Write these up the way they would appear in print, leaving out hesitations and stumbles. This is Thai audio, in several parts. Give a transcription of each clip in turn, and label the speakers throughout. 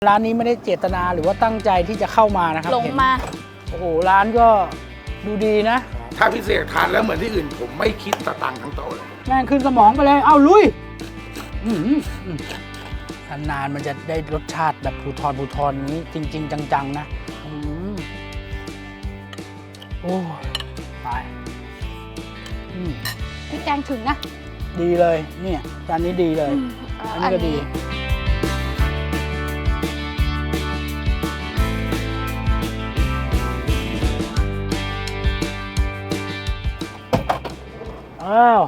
Speaker 1: ร้านนี้ไม่ได้เจตนาหรือว่าตั้งใจที่จะเข้ามานะครับ
Speaker 2: หลงมา
Speaker 1: โอ้โหร้านก็ดูดีนะ
Speaker 3: ถ้าพิเศษทานแล้วเหมือนที่อื่นผมไม่คิดสตังค์ทั้งโต๊ะเลย
Speaker 1: แม่งขึ้นสมองไปเลยเอาลุยนานๆมันจะได้รสชาติแบบภูทรนี้จริงๆจังๆนะโอ้ตาย
Speaker 2: พี่แกงถึงนะ
Speaker 1: ดีเลยเนี่ยจานนี้ดีเลยอันนี้ก็ดีอ้าว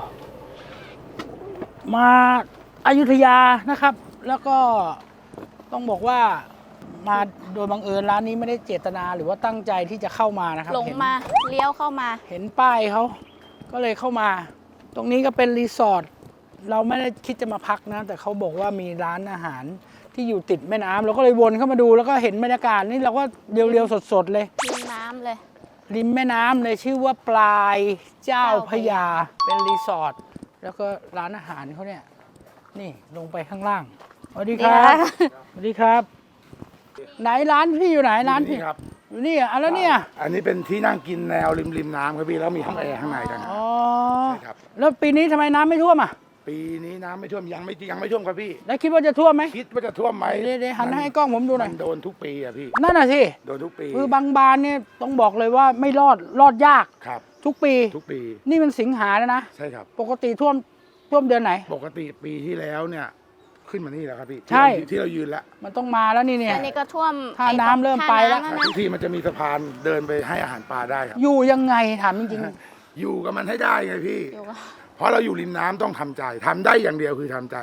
Speaker 1: มาอยุธยานะครับ แล้วก็ต้องบอกว่ามาโดยบังเอิญร้านนี้ไม่ได้เจตนาหรือว่าตั้งใจที่จะเข้ามานะครับ
Speaker 2: หลงมาเลี้ยวเข้ามา
Speaker 1: เห็นป้ายเขาก็เลยเข้ามาตรงนี้ก็เป็นรีสอร์ทเราไม่ได้คิดจะมาพักนะแต่เขาบอกว่ามีร้านอาหารที่อยู่ติดแม่น้ำเราก็เลยวนเข้ามาดูแล้วก็เห็นบรรยากาศนี่เราก็เรียวๆสดๆเลย
Speaker 2: ริมน้ำเลย
Speaker 1: ริมแม่น้ำเลยชื่อว่าปลายเจ้าพระยาเป็นรีสอร์ทแล้วก็ร้านอาหารเขาเนี่ยนี่ลงไปข้างล่างสวัสดีครับสวัสดีครับไหนร้านพี่อยู่ไหนร้านพี่
Speaker 3: ครับ
Speaker 1: อยู่นี่อ่ะแล้วเนี่ย
Speaker 3: อันนี้เป็นที่นั่งกินแนวริมน้ำครับพี่แล้วมีห้องแอร์ข้างในกัน
Speaker 1: อ๋อ
Speaker 3: ใช่ครับ
Speaker 1: แล้วปีนี้ทำไมน้ำไม่ท่วมอ่ะ
Speaker 3: ปีนี้น้ำไม่ท่วมยังไม่ท่วมครับพี่
Speaker 1: แล้วคิดว่าจะท่วมไหม
Speaker 3: คิดว่าจะท่วมไหม
Speaker 1: เดี๋ยวหันให้กล้องผมดูหน่อย
Speaker 3: มันโดนทุกปีอะพี่
Speaker 1: นั่นน่ะสิ
Speaker 3: โดนทุกปี
Speaker 1: คือบางบานเนี่ยต้องบอกเลยว่าไม่รอดยาก
Speaker 3: ครับ
Speaker 1: ทุกปีนี่มันสิงหาแล้วนะ
Speaker 3: ใช่ครับ
Speaker 1: ปกติท่วมเดือนไหน
Speaker 3: ปกติปีที่แล้วเนี่ยขึ้นมานี่แล้วครับพี่
Speaker 1: ใช่
Speaker 3: ที่เรายืนแล้ว
Speaker 1: มันต้องมาแล้วนี่เนี่ย
Speaker 2: อันนี้ก็ท่วม
Speaker 1: ท่าน้ำเริ่มไปแล้ว
Speaker 3: ทุกทีมันจะมีสะพานเดินไปให้อาหารปลาได้ครับ
Speaker 1: อยู่ยังไงถามจริง
Speaker 3: ๆอยู่กับมันให้ได้ไงพี่เพราะเราอยู่ริมน้ำต้องทำใจทำได้อย่างเดียวคือทำใจ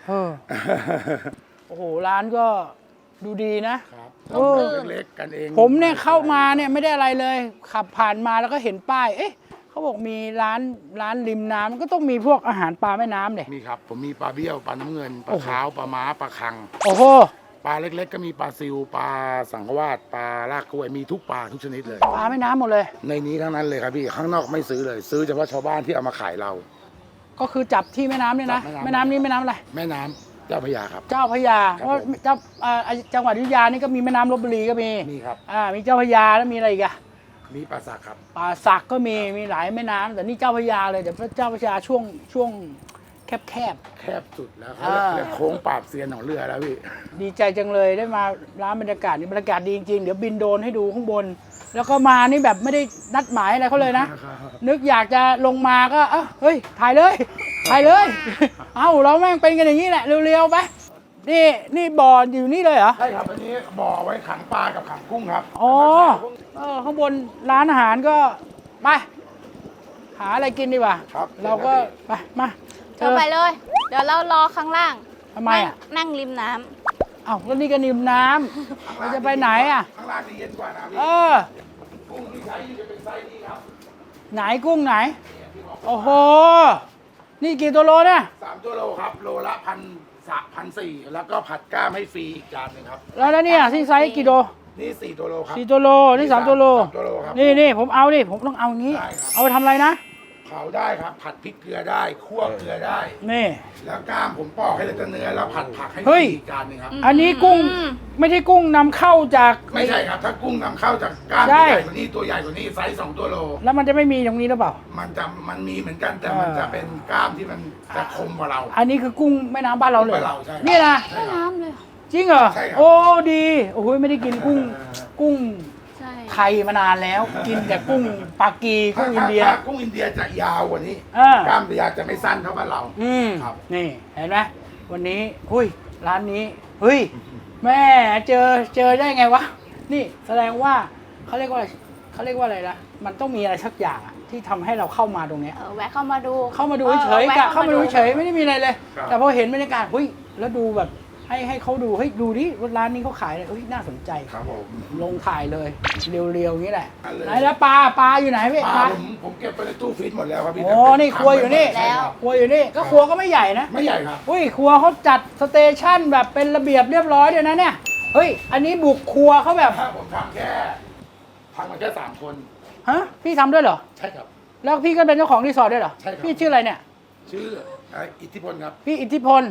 Speaker 1: โอ้โหร้านก็ดูดีนะ
Speaker 3: เล็กๆกันเอง
Speaker 1: ผมเนี่ยเข้ามาเนี่ยไม่ได้อะไรเลยขับผ่านมาแล้วก็เห็นป้ายเขาบอกมีร้านริมน้ำก็ต้องมีพวกอาหารปลาแม่น้ำเนี่ย
Speaker 3: มีครับผมมีปลาเบี้ยวปลาน้ำเงินปลาขาวปลาม้าปลาคัง
Speaker 1: โอ้โห
Speaker 3: ปลาเล็กๆก็มีปลาซิวปลาสังขวาสปลาลากกล้วยมีทุกปลาทุกชนิดเลย
Speaker 1: ปลาแม่น้ำหมดเลย
Speaker 3: ในนี้ทั้งนั้นเลยครับพี่ข้างนอกไม่ซื้อเลยซื้อเฉพาะชาวบ้านที่เอามาขายเรา
Speaker 1: ก็คือจับที่แม่น้ำเนี่ยนะแม่น้ำนี้แม่น้ำอะไร
Speaker 3: แม่น้ำเจ้าพระยาครับ
Speaker 1: เจ้าพระยาเพราะจังหวัดอยุธยานี่ก็มีแม่น้ำลพบุรีก็มี
Speaker 3: ครับ
Speaker 1: มีเจ้าพระยาแล้วมีอะไรอีกอะ
Speaker 3: มีป่าสักครับ
Speaker 1: ป่าสักก็มีหลายแม่น้ำแต่นี่เจ้าพระยาเลยแต่เจ้าพระยาช่วงแคบ
Speaker 3: สุดแล้วเขาเรียกโค้งปราบเซียนของเรือแล้วพี่
Speaker 1: ดีใจจังเลยได้มาร้านบรรยากาศนี่บรรยากาศดีจริงๆเดี๋ยวบินโดรนให้ดูข้างบนแล้วก็มานี่แบบไม่ได้นัดหมายอะไรเขาเลยนะนึกอยากจะลงมาก็เฮ้ยถ่ายเลยเราแม่งเป็นกันอย่างนี้แหละเร็วๆไปนี่บ่ออยู่นี่เลยเหรอ
Speaker 3: ใช่ครับอันนี้บ่อไว้ขังปลากับขังกุ้งครับ
Speaker 1: อ๋อข้างบนร้านอาหารก็ไปหาอะไรกินดีกว่าเราก็ไปมา
Speaker 2: เธอไปเลยเดี๋ยวเรารอข้างล่าง
Speaker 1: ทำไม
Speaker 2: นั่งริมน้
Speaker 1: ำแล้วนี่ก็ริมน้ำเราจะไปไหน
Speaker 3: ข้างล่างนี่เย็นกว่านะพี่กุ้งที่ใช้จะเป็นไซส์นี้ครับ
Speaker 1: ไหนกุ้งไหนโอ้โหนี่กี่ตัวโลเนี่ย
Speaker 3: 3 ตัวโลครับโลละ1,400แล้วก็ผัดก้ามให้ฟรีอีกจานนึงครับ
Speaker 1: แล้วเนี่ยที่ไซส์กี่โล
Speaker 3: นี่4 ตัวโลครับ
Speaker 1: 4 ตัวโลนี่3 ตัวโลนี่ผมเอาดิผมต้องเอางี้เอาไปทำอะไรนะ
Speaker 3: เผาได้ครับผัดพริกเกลือได้คั่วเกลือได้
Speaker 1: นี่
Speaker 3: แล้วก้ามผมปอกให้เหลือเนื้อแล้วผัดผักให้อีกจานนึงครับ
Speaker 1: อันนี้กุ้งไม่ใช่กุ้งนำเข้าจาก
Speaker 3: ไม่ใช่ครับถ้ากุ้งนำเข้าจากก้ามใหญ่กว่านี้ตัวใหญ่กว่านี้ไซส์2 ตัวโล
Speaker 1: แล้วมันจะไม่มีตรงนี้หรือเปล่า
Speaker 3: มันมีเหมือนกันแต่มันจะเป็นก้ามที่มันจะคมกว่าเรา
Speaker 1: อันนี้คือกุ้งแม่น้ำบ้านเราเลยนี่นะ
Speaker 2: แม่น้ำเลย
Speaker 1: จริงเหรอโอ้ดีโอ้โหไม่ได้กินกุ้งไทยมานานแล้วกินแต่กุ้งปากีกุ้งอินเดีย
Speaker 3: กุ้งอินเดียจะยาวกว่านี้กล้ามจะไม่สั้นเท่าบ้านเรา
Speaker 1: ครับนี่เห็นไหมวันนี้ร้านนี้แม่เจอได้ไงวะนี่แสดงว่าเขาเรียกว่าอะไรนะมันต้องมีอะไรสักอย่างที่ทำให้เราเข้ามาตรงนี้
Speaker 2: แวะเข้ามาดู
Speaker 1: เฉยๆเข้ามาดูเฉยไม่ได้มีอะไรเลยแต่พอเห็นบรรยากาศแล้วดูแบบให้เขาดูดูดิร้านนี้เขาขายอะไรน่าสนใจ
Speaker 3: ครับผม
Speaker 1: ลงถ่ายเลยเรียวๆอย่างนี้แหละไหนแล้วปลาอยู่ไหนพี่
Speaker 3: ปลาผมเก็บไปในตู้ฟรีซหมดแล้วครับพี่
Speaker 1: นี่ครัวอยู่นี่ครัวอยู่นี่ก็ครัวก็ไม่ใหญ่นะ
Speaker 3: ไม่ใหญ่ครับ
Speaker 1: ครัวเขาจัดสเตชันแบบเป็นระเบียบเรียบร้อยเลยนะเนี่ยอันนี้บุกครัวเขาแบบ
Speaker 3: ผมทำมาแค่3 คน
Speaker 1: พี่ทำด้วยเหรอ
Speaker 3: ใช่ครับ
Speaker 1: แล้วพี่ก็เป็นเจ้าของรีสอร์ทด้วยเหรอ
Speaker 3: ใช่ครับ
Speaker 1: พี่ชื่ออะไรเนี่ย
Speaker 3: ชื่ออิทธิพลครับ
Speaker 1: พี่อิทธิพล
Speaker 3: ครับ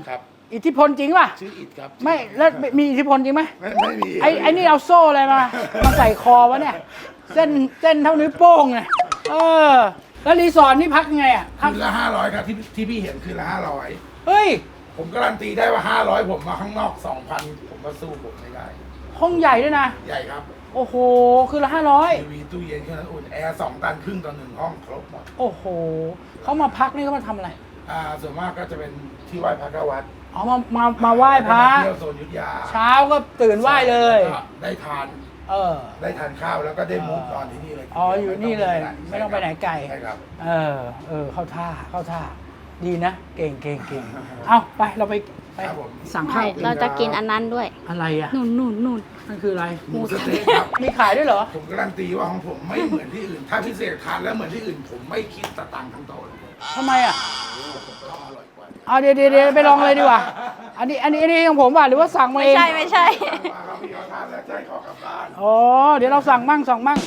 Speaker 1: อิทธิพลจริงป่ะ
Speaker 3: ชื่ออิดครับ
Speaker 1: ไม่แล้วมีอิทธิพลจริงไหม
Speaker 3: ไม่มี
Speaker 1: ไอ้นี่เอาโซ่อะไรมาใส่คอวะเนี่ยเส้นเท่านิ้วโป้งเนี่ยแล้วรีสอร์ทนี่พักยังไงอ่ะพัก
Speaker 3: คืนละ500ครับที่พี่เห็นคืนละ500
Speaker 1: เฮ้ย
Speaker 3: ผมการันตีได้ว่า500ผมมาข้างนอก 2,000 ผมก็สู้ผมไม่ได้
Speaker 1: ห้องใหญ่ด้วยนะ
Speaker 3: ใหญ่ครับ
Speaker 1: โอ้โหคือละ
Speaker 3: ทีวีตู้เย็นเครื่องนั้นอุ่นแอร์2 ตันครึ่งต่อ1ห้องครบหมด
Speaker 1: 500โอ้โหเขามาพักนี่เขามาทำอะไร
Speaker 3: ส่วนมากก็จะเป็นที่ไหว้พระเก้าวัด
Speaker 1: อ๋อมาไหว้พระ
Speaker 3: เที่ยวโซนอยุทธยา
Speaker 1: เช้าก็ตื่นไหว้เลย
Speaker 3: ก็ได้ทาน ได้ทานข้าวแล้วก็ได้มุกนอนที่นี่เลย
Speaker 1: อ๋ออยู่นี่เลยไม่ต้องไปไหนไกล
Speaker 3: ใช่ครับ
Speaker 1: เข้าท่าดีนะเก่งเอาไปเราไป
Speaker 3: ครับผม
Speaker 1: สั่งข้าว
Speaker 2: เราจะกินอันนั้นด้วย
Speaker 1: อะไรอ่ะ
Speaker 2: นู่น
Speaker 1: นั่นคืออะไร
Speaker 3: หมูสะเต๊ะครับ
Speaker 1: มีขายด้วยเหรอ
Speaker 3: ผมการันตีว่าของผมไม่เหมือนที่อื่น ถ้าพิเศษทานแล้วเหมือนที่อื่น ผมไม่คิดสตังค์ทั้งโต๊ะเลย
Speaker 1: ทำไมอ่ะ
Speaker 3: ก็อร่อยกว่า
Speaker 1: เอาเดี๋ยวไปลองเลยดีกว่า อันนี้ของผมว่ะหรือว่าสั่งมา
Speaker 2: ไม่
Speaker 1: เอง
Speaker 2: ใช่
Speaker 3: มาครับพี่เขาทานแล้วใจขอกลับบ้าน
Speaker 1: อ๋อเดี๋ยวเราสั่งมั่ง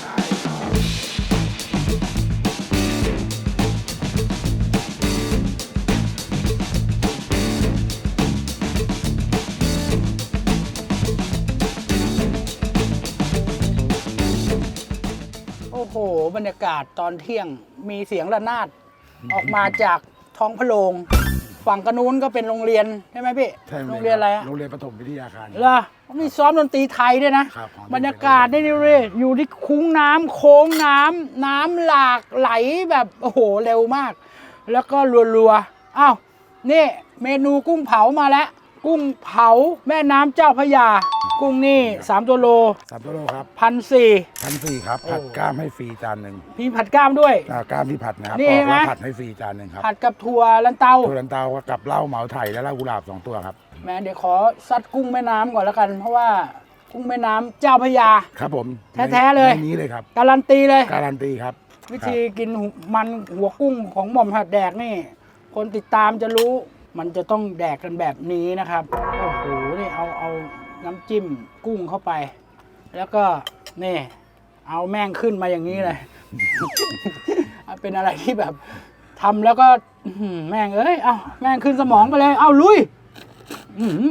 Speaker 1: โอ้โหบรรยากาศตอนเที่ยงมีเสียงระนาดออกมาจากท้องพระโรงฝั่งกระนู้นก็เป็นโรงเรียนใช่ไหมพี่
Speaker 3: ใช่ไหม
Speaker 1: โรงเรียนอะไรอะ
Speaker 3: โรงเรียนประถมวิทยาคาร
Speaker 1: เหรอมีซ้อมดนตรีไทยด้วยนะ
Speaker 3: ครับของ
Speaker 1: บรรยากาศนี่เลยอยู่ที่คุ้งน้ำโค้งน้ำหลากไหลแบบโอ้โหเร็วมาก แล้วก็รัวๆอ้าวนี่เมนูกุ้งเผามาแล้ว กุ้งเผาแม่น้ำเจ้าพระยา กุ้งนี่3 ตัวโล
Speaker 3: 3 ตัวโลครับ
Speaker 1: 1,400
Speaker 3: 1,400ครับผัดกล้ามให้ฟรีจานหนึ่ง
Speaker 1: พี่ผัดกล้ามด้วย
Speaker 3: กล้ามที่ผัดนะครับ
Speaker 1: นี่
Speaker 3: ออก
Speaker 1: ใช่ไหม
Speaker 3: แล้วผัดให้ฟรีจานหนึ่งครับ
Speaker 1: ผัดกับถั่วลันเตา
Speaker 3: ถั่วลันเตากับเหล้าเหมาไถ่และเหล้ากุหลาบ2 ตัวครับ
Speaker 1: แม่เดี๋ยวขอซัดกุ้งแม่น้ำก่อนแล้วกัน เพราะว่ากุ้งแม่น้ำเจ้าพระยา
Speaker 3: ครับผม
Speaker 1: แท้ๆเลย
Speaker 3: ในนี้เลยครับ
Speaker 1: การันตีเลย
Speaker 3: การันตีครับ
Speaker 1: วิธีกินมันหัวกุ้งของหม่อมหัดแดกนี่ คนติดตามจะรู้มันจะต้องแดกกันแบบนี้นะครับ โอ้โหนี่เอาน้ำจิ้มกุ้งเข้าไป แล้วก็นี่เอาแม่งขึ้นมาอย่างนี้เลย เป็นอะไรที่แบบทำแล้วก็อื้อหือแม่งเอ้ยเอาแม่งขึ้นสมองไปเลยเอาลุยอื้อหือ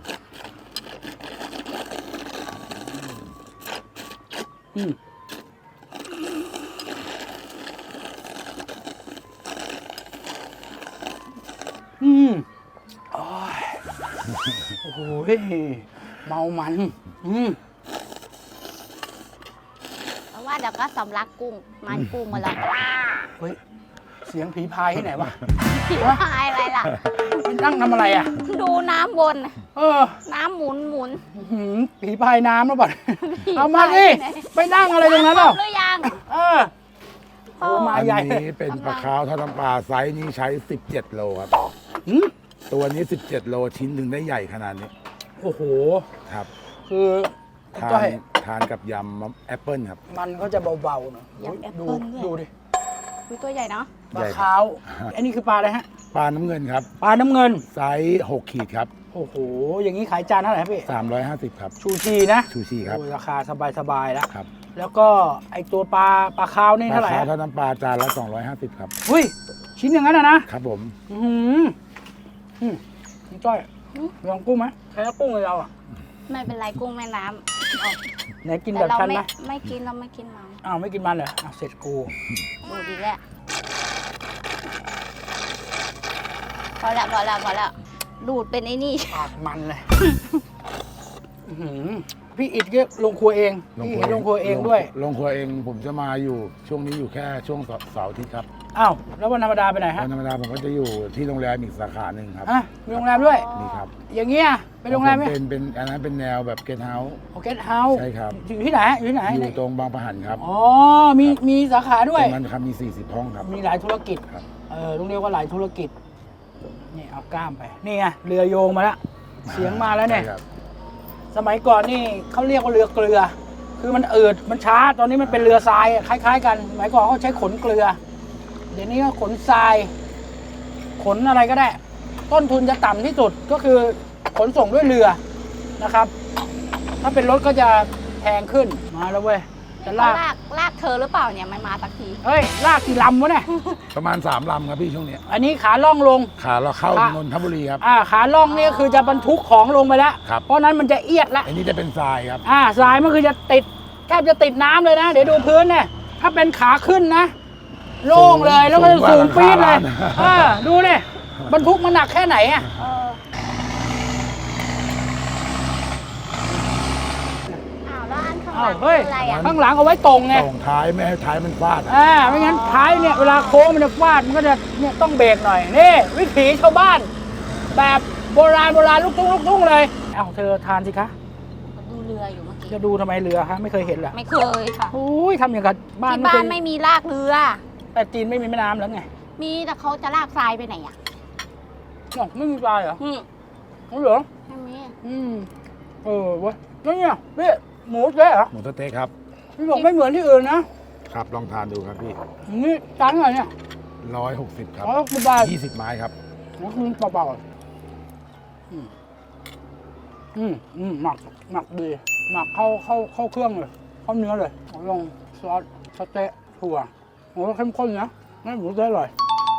Speaker 1: อืมโอ้ยโอ้โหเมามัน
Speaker 2: เพราะว่าเดี๋ยวก็สำลักกุ้ง มันกุ้งมาแล้ว
Speaker 1: เฮ้ย เสียงผีพายที่ไหนวะ
Speaker 2: ผีพายอะไรล่ะ
Speaker 1: มันนั่งทำอะไรอ่ะ
Speaker 2: ดูน้ำวน น้ำหมุน
Speaker 1: อื้อหือผีพายน้ำแล้วบ่
Speaker 2: ผี
Speaker 1: เอามา
Speaker 2: พาย
Speaker 1: ดิ
Speaker 2: ไหน
Speaker 1: ไปนั่งอะไรตรงนั้น
Speaker 2: คร
Speaker 1: เปล่า
Speaker 2: บหรือยัง
Speaker 1: โอ้มา
Speaker 3: อัน
Speaker 1: ใหญ่
Speaker 3: นี้เป็นปลาคาวทอดน้ำปลาไซส์นี้ใช้17 โลครับ
Speaker 1: หืม
Speaker 3: ตัวนี้17 โลชิ้นถึงได้ใหญ่ขนาดนี้
Speaker 1: โอ้โห
Speaker 3: ครับ
Speaker 1: คือ
Speaker 3: ทา
Speaker 1: ก้อน ย
Speaker 3: ทานกับยำแอปเปิลครับ
Speaker 1: มันเขาจะเบาๆหน่อย
Speaker 2: ยำแอป
Speaker 1: ดู
Speaker 2: เปิ้ลด้วย
Speaker 1: ดูดิ
Speaker 2: ดูตัวใหญ่เนาะ
Speaker 1: ปลาขาว อันนี้คือปลาอะไรฮะ
Speaker 3: ปลาน้ำเงินครับ
Speaker 1: ปลาน้ำเงิน
Speaker 3: ไซส์6 ขีดครับ
Speaker 1: โอ้โห อย่างนี้ขายจานเท่าไหร่ครับพี่
Speaker 3: 350 ครับ
Speaker 1: ชูชีนะ
Speaker 3: ชูชีครับ
Speaker 1: โอ้ยราคาสบายๆแล้ว
Speaker 3: ครับ
Speaker 1: แล้วก็ไอตัวปลาขาวนี่
Speaker 3: ปลา
Speaker 1: เท่าไหร่
Speaker 3: คาว
Speaker 1: ฮะ
Speaker 3: ทอดน้ำปลาจานละ250 ครับ
Speaker 1: เฮ้ย ชิ้นอย่างนั้นนะครับ
Speaker 3: ผม
Speaker 1: อือหือคุณจ้อยลองกุ้งไหมใช้กุ้งเลยเราอ่ะ
Speaker 2: ไม่เป็นไรกุ้งแม่น้
Speaker 1: ไหนกิน
Speaker 2: ำ
Speaker 1: แบบ
Speaker 2: เรา
Speaker 1: ฉัน
Speaker 2: ไม่
Speaker 1: นะ
Speaker 2: ไม่กินเราไม่กินมัน
Speaker 1: อ้าวไม่กินมันเหรออ้าวเสร็จกู
Speaker 2: ดูดีแหละพอแล้วดูดเป็นไอ้นี่
Speaker 1: ปากมันเลย อื้อหือพี่อิดก็ลงครัวเองพี่อิดลงครัวเองด้วย
Speaker 3: ลงครัวเองผมจะมาอยู่ช่วงนี้อยู่แค่ช่วงเสาร์อาทิตย์ครับ
Speaker 1: อ้าวแล้ววันธรรมดาไปไหนฮะ
Speaker 3: วันธรรมดาผมก็จะอยู่ที่โรงแรมอีกสาขาหนึ่งครับ
Speaker 1: อ่ะมีโรงแรมด้วย
Speaker 3: นี่ครับ
Speaker 1: อย่างเงี้ยไปโรงแรมไหม
Speaker 3: เป็นอันนั้นเป็นแนวแบบเกสต์เฮาส์
Speaker 1: โอเคเฮาส์
Speaker 3: ใช่ครับ
Speaker 1: อยู่ที่ไหนอยู่ที่ไหน
Speaker 3: อยู่ตรงบางประหันครับ
Speaker 1: อ๋อมีสาขาด้
Speaker 3: ต
Speaker 1: วย
Speaker 3: รงนั้นครับมี40 ห้องครับ
Speaker 1: มีหลายธุรกิจ
Speaker 3: ครับ
Speaker 1: ต้องเรียกว่าหลายธุรกิจ นี่เอากล้ามไป นี่ไงเรือโยงมาแล้ว เสียงมาแล้วเนี่ย
Speaker 3: ใช่ครับ
Speaker 1: สมัยก่อนนี่เขาเรียกว่าเรือเกลือ คือมันอืดมันช้า ตอนนี้มันเป็นเรือทรายคล้ายๆกัน สมัยก่อนเขาใช้ขนเกลือ เดี๋ยวนี้ก็ขนทราย ขนอะไรก็ได้ ต้นทุนจะต่ำที่สุดก็คือขนส่งด้วยเรือนะครับ ถ้าเป็นรถก็จะแพงขึ้น มาแล้วเว้ยจะ
Speaker 2: ลา
Speaker 1: ลาก
Speaker 2: ลากเธอหรือเปล่าเนี่ยไม่มาสักที
Speaker 1: เฮ้ยลากกี่ลำวะเนี่ย
Speaker 3: ประมาณ3 ลำครับพี่ช่วงเนี้ย
Speaker 1: อันนี้ขาล่องลง
Speaker 3: ขาเราเข้า
Speaker 1: ค่ะ
Speaker 3: นนทบุรีครับ
Speaker 1: ขาล่องนี่คือจะบรรทุกของลงไปแล้ว
Speaker 3: ครับ
Speaker 1: เพราะนั้นมันจะเอียดละ
Speaker 3: อันนี้จะเป็นทรายครับ
Speaker 1: ทรายมันคือจะติดแทบจะติดน้ำเลยนะ เดี๋ยวดูพื้นเนี่ยถ้าเป็นขาขึ้นนะโล่งเลยแล้วก็จะสูงปี๊ดเลยดูเนี่ยบรรทุกมันหนักแค่ไหนอ่ะ
Speaker 2: อ้าวแล้วอันข้างห
Speaker 1: อ้า
Speaker 2: ลั
Speaker 1: ว
Speaker 2: ง
Speaker 1: เฮ้ย
Speaker 2: คืออะไรอ่ะ
Speaker 1: ข้างหลังเอาไว้ตรงไง
Speaker 3: ตรงท้ายไม่ให้ท้ายมันฟาด
Speaker 1: ไม่งั้นท้ายเนี่ยเวลาโค้งมันจะฟาดมันก็จะเนี่ยต้องเบรกหน่อยนี่วิถีชาวบ้าน แบบโบราณลูกทุ่งเลยเอ้าเธอทานสิคะ
Speaker 2: ดูเรืออยู่เมื่อกี้
Speaker 1: จะดูทำไมเรือฮะไม่เคยเห็นเหรอ
Speaker 2: ไม่เคยค่ะ
Speaker 1: โอ้ยทำอย่างกับบ้าน
Speaker 2: ที่
Speaker 1: ไม่
Speaker 2: บ้า
Speaker 1: เคน ย
Speaker 2: ไม่มีลากเรือ
Speaker 1: แต่จีนไม่มีแม่น้ำแล้วไง
Speaker 2: มีแต่เขาจะลากทรายไปไหนอ่ะ
Speaker 1: อ๋อไม่มีปลาเหรอ
Speaker 2: อืม
Speaker 1: อ๋อเหรอ
Speaker 2: ไม่มี
Speaker 1: เว้ยแล้วเนี่ยพี่หมูเจ๊เหรอ
Speaker 3: หมูสะเต๊กครับ
Speaker 1: พี่บอกไม่เหมือนที่อื่นนะครับ
Speaker 3: ลองทานดูครับพี่
Speaker 1: นี่จานเท่าไหร่เนี่ย
Speaker 3: 160ครับ
Speaker 1: 160 บาท
Speaker 3: 20 ไม้ครับ
Speaker 1: แล้วคุณเปล่าๆหมักดีหมักเข้าเครื่องเลยเข้าเนื้อเลยลองซอสสเต๊ะถั่วโอ้แล้วเข้มข้นนะไม่หมูเต๊ะอร่อย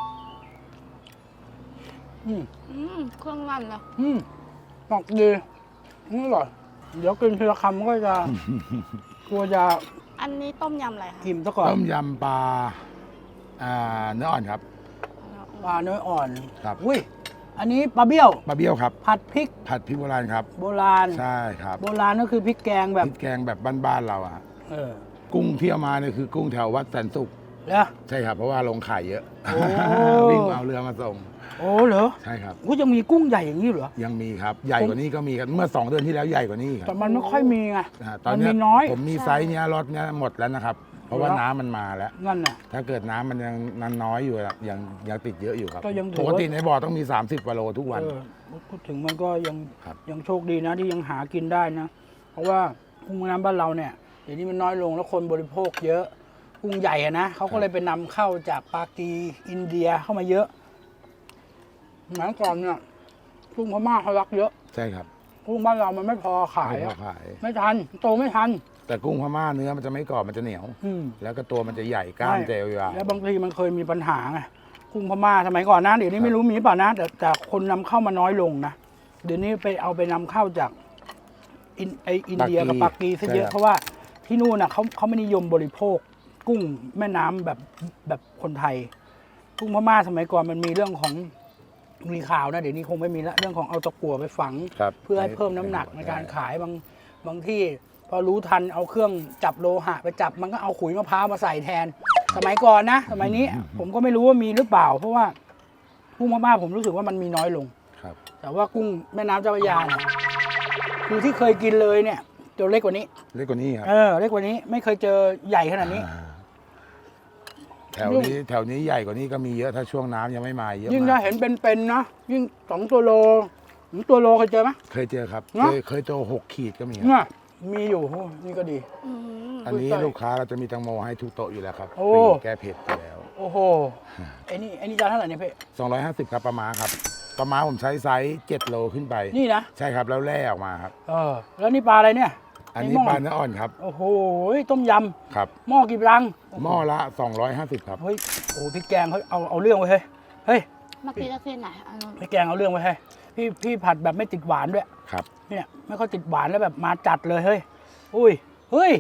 Speaker 2: เครื่องนั่นเลย
Speaker 1: หมักดีอร่อยเดี๋ยวกินทีละคำก็จะกลัวจะ
Speaker 2: อันนี้ต้มยำอะไรคะ
Speaker 1: อิ่มซะก่อน
Speaker 3: ต้มยำปลาเนื้ออ่อนครับ
Speaker 1: ปลาเนื้ออ่อน
Speaker 3: ครับ
Speaker 1: อุ้ยอันนี้ปลาเบี้ยว
Speaker 3: ปลาเบี้ยวครับ
Speaker 1: ผัดพริก
Speaker 3: ผัดพริกโบราณครับ
Speaker 1: โบราณ
Speaker 3: ใช่ครับ
Speaker 1: โบราณก็คือพริกแกงแบบ
Speaker 3: พริกแกงแบบบ้านๆเราอะ
Speaker 1: เออ
Speaker 3: กุ้งที่เอามาเนี่ยคือกุ้งแถววัดแสนสุข
Speaker 1: แล้ว
Speaker 3: ใช่ครับ เพราะว่าลงขายเยอะ
Speaker 1: โอ้
Speaker 3: วิ่งเอาเรือมาส่ง
Speaker 1: โอ้เหรอ
Speaker 3: ใช่ครับ
Speaker 1: กูจะมีกุ้งใหญ่อย่างนี้เหรอ
Speaker 3: ยังมีครับ ใหญ่กว่านี้ก็มีครับ เมื่อ 2 เดือนที่แล้วใหญ่กว่านี้ครั
Speaker 1: แต่
Speaker 3: บ
Speaker 1: มันไม่ค่อยมีไง
Speaker 3: ตอน
Speaker 1: มัน
Speaker 3: เนี้
Speaker 1: มี
Speaker 3: ย
Speaker 1: น้อย
Speaker 3: ผมมีไซส์เนี้ยรถเนี้ยหมดแล้วนะครับ เพราะว่าน้ำมันมาแล้ว
Speaker 1: นั่นน่ะ
Speaker 3: ถ้าเกิดน้ำมันยังน้อยอยู่อะยังติดเยอะอยู่ครับ
Speaker 1: ก็ยังถื
Speaker 3: ป
Speaker 1: อ
Speaker 3: ก
Speaker 1: ว่า
Speaker 3: ติในบ่อต้องมี 30 กิโลทุกวัน
Speaker 1: พูดถึงมันก็ยัง
Speaker 3: ครับ
Speaker 1: ยังโชคดีนะที่ยังหากินได้นะ เพราะว่ากุ้งแม่น้ำบ้านเราเนี่ยเดี๋ยวนี้มันน้อยลงแล้วคนบริโภคเยอะกุ้งใหญ่อะนะเขาก็เลยไปนำเข้าจากปากีอินเดียเข้ามาเยอะสมัยก่อนเนี่ยกุ้งพม่าเขารักเยอะ
Speaker 3: ใช่ครับ
Speaker 1: กุ้งบ้านเรามันไม่พอขาย
Speaker 3: ไม่พอ
Speaker 1: อะ
Speaker 3: ขาย
Speaker 1: ไม่ทันโตไม่ทัน
Speaker 3: แต่กุ้งพม่าเนื้อมันจะไม่กรอบมันจะเหนียว
Speaker 1: อืม
Speaker 3: แล้วก็ตัวมันจะใหญ่กล้ามจะยาว
Speaker 1: แล้วบางทีมันเคยมีปัญหาไงกุ้งพม่าสมัยก่อนนะเดี๋ยวนี้ไม่รู้มีเปล่านะแต่คนนำเข้ามาน้อยลงนะเดี๋ยวนี้ไปนำเข้าจากอินเดียกับปากีซะเยอะเพราะว่าที่นู่นน่ะเขาไม่นิยมบริโภค กุ้งแม่น้ำแบบคนไทย กุ้งพม่าสมัยก่อนมันมีเรื่องของมีข่าวนะเดี๋ยวนี้คงไม่มีละเรื่องของเอาตะกั่วไปฝัง
Speaker 3: ครับ
Speaker 1: เพื่อให้เพิ่มน้ำหนักในการขายบางที่พอรู้ทันเอาเครื่องจับโลหะไปจับมันก็เอาขุยมะพร้าวมาใส่แทน สมัยก่อนนะ สมัยนี้ผมก็ไม่รู้ว่ามีหรือเปล่า เพราะว่ากุ้งพม่าผมรู้สึกว่ามันมีน้อยลง
Speaker 3: ครับ
Speaker 1: แต่ว่ากุ้งแม่น้ำเจ้าพระยาเนี่ยคือที่เคยกินเลยเนี่ยตัวเล็กกว่านี้
Speaker 3: เล็กกว่านี้ครับ
Speaker 1: เล็กกว่านี้ไม่เคยเจอใหญ่ขนาดนี้
Speaker 3: แถวนี้ใหญ่กว่านี้ก็มีเยอะถ้าช่วงน้ำยังไม่มาเยอะ
Speaker 1: ยิ่ง
Speaker 3: มา
Speaker 1: ถ้าก เห็นเป็นๆนะยิ่ง2 ตัวโลตัวโลเคยเจอไหม
Speaker 3: เคยเจอครับ
Speaker 1: เนอะ
Speaker 3: เคยโต6 ขีดก็มีครับ
Speaker 1: เนี่ยมีอยู่โอ้นี่ก็ดี
Speaker 3: อันนี้
Speaker 1: อุ้ย
Speaker 3: ลูกค้าเราจะมีแตังโมให้ทุกโต๊ะอยู่แล้วครับ
Speaker 1: โอ้
Speaker 3: ฟรีแก้เผ็ดอยู่แล้ว
Speaker 1: โอ้โหไอ้นี่จานเท่าไหร่เนี่ยเพ่
Speaker 3: 250ครับปลาม้าครับปลาม้าผมใช้ไซส์7 โลขึ้นไป
Speaker 1: นี่นะ
Speaker 3: ใช่ครับแล้วแล่ออกมาครับ
Speaker 1: แล้วนี่ปลาอะไรเนี่ย
Speaker 3: อันนี้
Speaker 1: หม้
Speaker 3: ปลาเนื้ออ่อนครับ
Speaker 1: โอ้โหต้มย
Speaker 3: ครับ
Speaker 1: ำหม้อกี่รัง
Speaker 3: หม้อละ250ครับ
Speaker 1: เฮ้ยโอ้พริกแกงเขาเอาเรื่องไว้เฮ้ย
Speaker 2: เมื่อกี้จะขึ้นไหนอันนู้น
Speaker 1: พริกแกงเอาเรื่องไว้พี่ผัดแบบไม่ติดหวานด้วย
Speaker 3: ครับ
Speaker 1: เนี่ยไม่ค่อยติดหวานแล้วแบบมาจัดเลยเฮ้ยเฮ้ย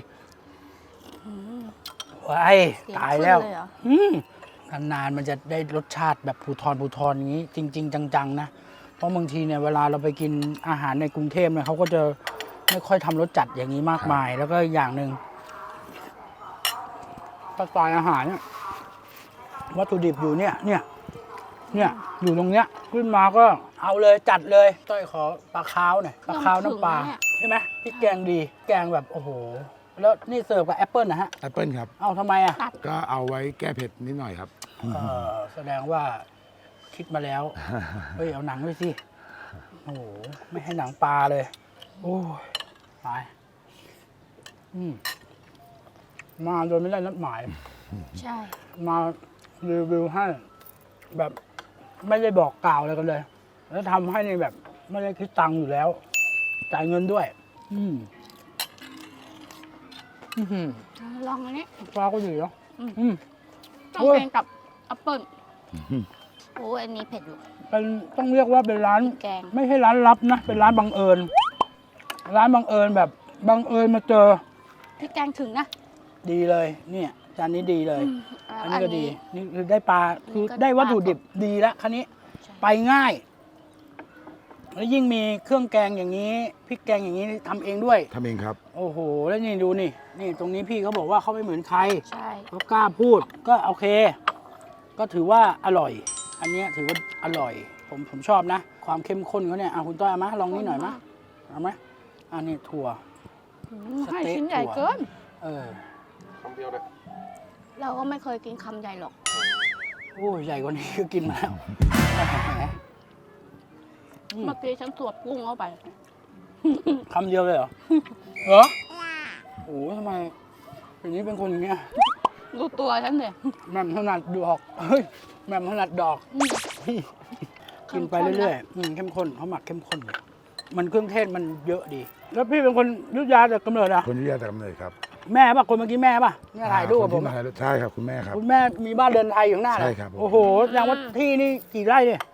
Speaker 1: ว้าย
Speaker 2: เสีง
Speaker 1: ตายแล้ว
Speaker 2: ขึ้นเเหรอ
Speaker 1: นานๆมันจะได้รสชาติแบบภูทรอย่างนี้ จริง ๆ จังๆนะเพราะบางทีเนี่ยเวลาเราไปกินอาหารในกรุงเทพเนี่ยเขาก็จะไม่ค่อยทำรสจัดอย่างนี้มากมาย แล้วก็อย่างหนึ่งสไตล์อาหารเนี่ยวัตถุดิบอยู่เนี่ยอยู่ตรงเนี้ยขึ้นมาก็เอาเลยจัดเลยต้อยขอปลาคาวหน่อยปลาคาวน้ำปลาใช่ไหมพริกแกงดีแกงแบบโอ้โหแล้วนี่เสิร์ฟกับแอปเปิลนะฮะ
Speaker 3: แอปเปิลครับ
Speaker 1: เอาทำไมอ่ะ
Speaker 3: ก็เอาไว้แก้เผ็ดนิดหน่อยครับ
Speaker 1: แสดงว่าคิดมาแล้ว เฮ้ย เอาหนังด้วยสิ โอ้โห ไม่ให้หนังปลาเลย โอ้ยตายมาโดยไม่ได้นัดหมาย
Speaker 2: ใช่
Speaker 1: มารีวิวให้ แบบไม่ได้บอกกล่าวอะไรกันเลย แล้วทำให้ในแบบ ไม่ได้คิดตังค์อยู่แล้ว จ่ายเงินด้วยอื้อหือ
Speaker 2: ลองอันนี้
Speaker 1: ปลาก็ดีเนาะ
Speaker 2: ต้อง
Speaker 1: โอ้ย
Speaker 2: กินกับแอปเปิ้ลโอ้ยอันนี้เผ็ดอยู่
Speaker 1: เป็นต้องเรียกว่าเป็นร้าน
Speaker 2: แกง
Speaker 1: ไม่ใช่ร้านลับนะ เป็นร้านบังเอิญ ร้านบังเอิญแบบบังเอิญมาเจอ
Speaker 2: พริกแกงถึงนะ
Speaker 1: ดีเลย เนี่ยจานนี้ดีเลย อันนี้ก็ดี
Speaker 2: อันนี้
Speaker 1: นี่คือได้ปลา คือ
Speaker 2: ก็
Speaker 1: ได้วัตถุ
Speaker 2: ปลาสด
Speaker 1: ดิบดีแล้วคันนี้
Speaker 2: ใช่
Speaker 1: ไปง่าย แล้วยิ่งมีเครื่องแกงอย่างนี้พริกแกงอย่างนี้ทำเองด้วย
Speaker 3: ทำเองครับ
Speaker 1: โอ้โห แล้วนี่ดูนี่ นี่ตรงนี้พี่เขาบอกว่าเขาไม่เหมือนใคร
Speaker 2: ใช่
Speaker 1: เขากล้าพูด ก็โอเค ก็ถือว่าอร่อย อันเนี้ยถือว่าอร่อย ผมชอบนะ ความเข้มข้นเขาเนี่ยคุณต้อยเอามาลองนี่หน่อยมะเอาไหมอันนี้ถั่ว ส
Speaker 2: ให้
Speaker 1: เต๊ะ
Speaker 2: ชิ้นใหญ่
Speaker 1: ถั่ว
Speaker 2: เกิน
Speaker 1: เออ
Speaker 4: คำเดียวเลย
Speaker 2: เราก็ไม่เคยกินคำใหญ่หรอก
Speaker 1: โอ้ยใหญ่กว่านี้ก็กินมาแล้วแหม
Speaker 2: เมื่อกี้ฉันสวดกุ้งเข้าไป
Speaker 1: คำเดียวเลยเหรอ เหรอ โอ้ยทำไมอย่างนี้เป็นคนอย่างเงี้ย
Speaker 2: ดูตัวฉันเลย
Speaker 1: แหม่มถนัดดอกเฮ้ยแหม่มถนัดดอก กินไปเรื่อยๆเข้มข้นเขาหมักเข้มข้นเลยมันเครื่องเทศมันเยอะดี แล้วพี่เป็นคนอยุธยาแต่กำเนิดอะ
Speaker 3: คนที่ยาแต่กำเนิดครับ
Speaker 1: แม่ป่ะคนเมื่อกี้แม่ป่ะเนี่ยถ่ายรูปกับผม
Speaker 3: คนที่ถ่ายรูปใช่ครับคุณแม่ครับ
Speaker 1: คุณแม่มีบ้านเรือนไทยอยู่ข้างหน้าเลย
Speaker 3: ใช่ครับผม
Speaker 1: โอ้โหแสดงว่าที่นี่กี่ไร่เนี่ย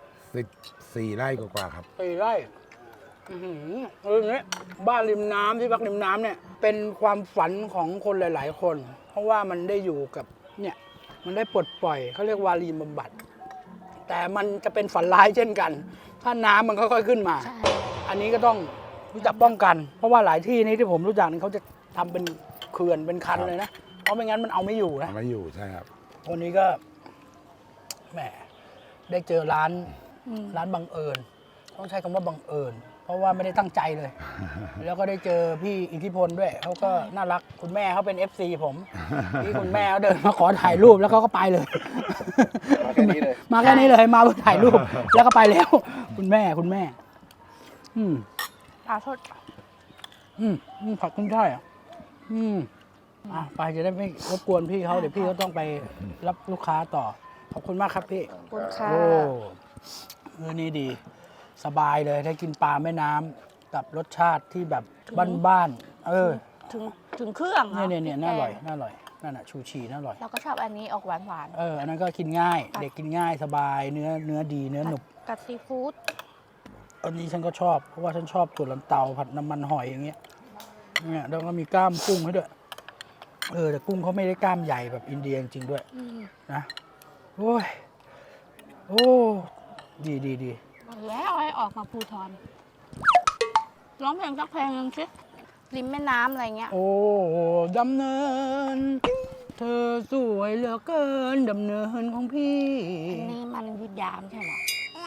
Speaker 3: 4 ไร่กว่าๆครับ
Speaker 1: 4 ไร่อื้อหืออย่างนี้บ้านริมน้ำที่พักริมน้ำเนี่ย เป็นความฝันของคนหลาย ๆ คน เพราะว่ามันได้อยู่กับเนี่ย มันได้ปลดปล่อยเขาเรียกวารีบำบัด แต่มันจะเป็นฝันร้ายเช่นกัน ถ้าน้ำมันค่อย ๆ ขึ้นมา
Speaker 2: ใช่
Speaker 1: อันนี้ก็ต้องรู้จักป้องกัน เพราะว่าหลายที่นี้ที่ผมรู้จักนี่เขาจะทำเป็นเขื่อนเป็นคันเลยนะ เพราะไม่งั้นมันเอาไม่อยู่นะ
Speaker 3: ไม่อยู่ใช่ครับ
Speaker 1: วันนี้ก็แหมได้เจอร้าน
Speaker 2: อืม
Speaker 1: ร้านบังเอิญต้องใช้คำว่าบังเอิญ เพราะว่าไม่ได้ตั้งใจเลย แล้วก็ได้เจอพี่อิทธิพลด้วยเขาก็น่ารักคุณแม่เขาเป็น FC ผมที่คุณแม่เขาเดินมาขอถ่ายรูปแล้วเขาก็ไปเลย
Speaker 4: มาแค่นี้เลย
Speaker 1: มาแค่นี้เลยมาเพื่อถ่ายรูปแล้วก็ไปแล้ว คุณแม่ อืม
Speaker 2: ปลาสด
Speaker 1: ผักขึ้นช่ายอ่ะไปจะได้ไม่รบกวนพี่เขาเดี๋ยวพี่เขาต้องไปรับลูกค้าต่อ ขอบคุณมากครับพี่
Speaker 2: ขอบคุณค่ะ
Speaker 1: โอ้นี่ดี สบายเลยได้กินปลาแม่น้ำกับรสชาติที่แบบบ้านๆ
Speaker 2: ถึงเครื่องอะ
Speaker 1: เนี่ยน่าอร่อยนั่นน่ะชูชีน่าอร่อย
Speaker 2: เราก็ชอบอันนี้ออกหวาน
Speaker 1: อันนั้นก็กินง่าย เด็กกินง่ายสบายเนื้อดีเนื้อหนุบ
Speaker 2: ๆกับซีฟู้ด
Speaker 1: อันนี้ฉันก็ชอบเพราะว่าฉันชอบถั่วลันเตาผัดน้ำมันหอยอย่างเงี้ยเนี่ยแล้วก็มีกล้ามกุ้งให้ด้วยแต่กุ้งเขาไม่ได้กล้ามใหญ่แบบอินเดียจริงๆด้วยนะโอ้ดี
Speaker 2: แล้วให้ออกมาภูทรร้องเพลงสักเพลงหนึงสิริมแม่น้ำอะไรเงี้ย
Speaker 1: โอ้ดำเนิน เธอสวยเหลือเกินดำเนินของพี่
Speaker 2: อันนี้มันยุดยามใช่เหรอ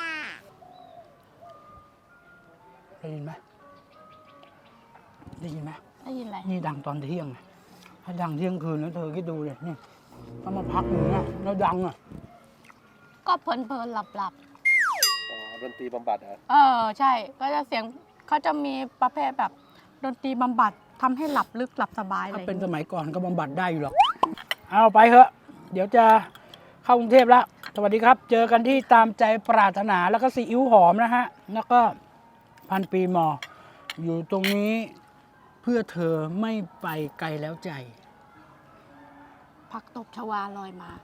Speaker 1: ได้ยินไหมได้ยินไหม
Speaker 2: ได้ยินอะไร
Speaker 1: นี่ดังตอนเที่ยงไงถ้าดังเที่ยงคืนแล้วเธอคิดดูเลยนี่ถ้ามาพักอย่างเงี้ยแล้วดังอ่ะ
Speaker 2: ก็เพลินๆหลับ
Speaker 4: อ๋อดนตรีบำบัดเหรอ
Speaker 2: ใช่ก็จะเสียงเขาจะมีประเภทแบบดนตรีบำบัดทำให้หลับลึกหลับสบายเล
Speaker 1: ถ้าย เป็นสมัยก่อนก็บำบัดได้อยู่หรอกเอาไปเถอะเดี๋ยวจะเข้ากรุงเทพแล้วสวัสดีครับ เจอกันที่ตามใจปรารถนาแล้วก็ซีอิ๊วหอมนะฮะแล้วก็พันปีมอ อยู่ตรงนี้เพื่อเธอไม่ไปไกลแล้วใจ
Speaker 2: ผักตบชวาลอยมา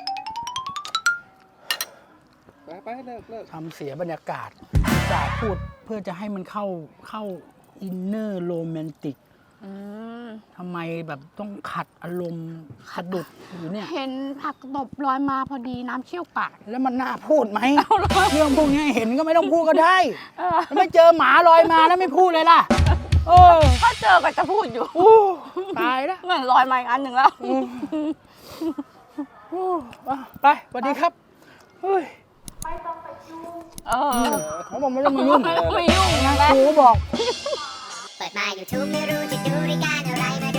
Speaker 4: ไปเลิก
Speaker 1: ทำเสียบรรยากาศจะพูดเพื่อจะให้มันเข้าอินเนอร์โรแมนติก
Speaker 2: อืม
Speaker 1: ทำไมแบบต้องขัดอารมณ์ขัดดุดอยู่เนี่ย
Speaker 2: เห็นผักตบลอยมาพอดีน้ำเชี่ยวปาก
Speaker 1: แล้วมันน่าพูดไหมเรื่องพวกนี้เห็นก็ไม่ต้องพูดก็ได้
Speaker 2: เออ
Speaker 1: แล้วไม่เจอหมาลอยมาแล้วไม่พูดเลยล่ะ
Speaker 2: ถ้าเจอก็จะพูดอยู่
Speaker 1: ตายแล้ว
Speaker 2: เหมือนลอยมาอีกอันหนึ่งแล้ว
Speaker 1: ไปสวัสดีครับเฮ้ย เขาบอกไม่ต้องมายุ่ง
Speaker 2: ไม่ยุ่งนะ
Speaker 1: ครูบอก
Speaker 5: เปิดมา YouTube ไม่รู้จะดูรายการอะไรมา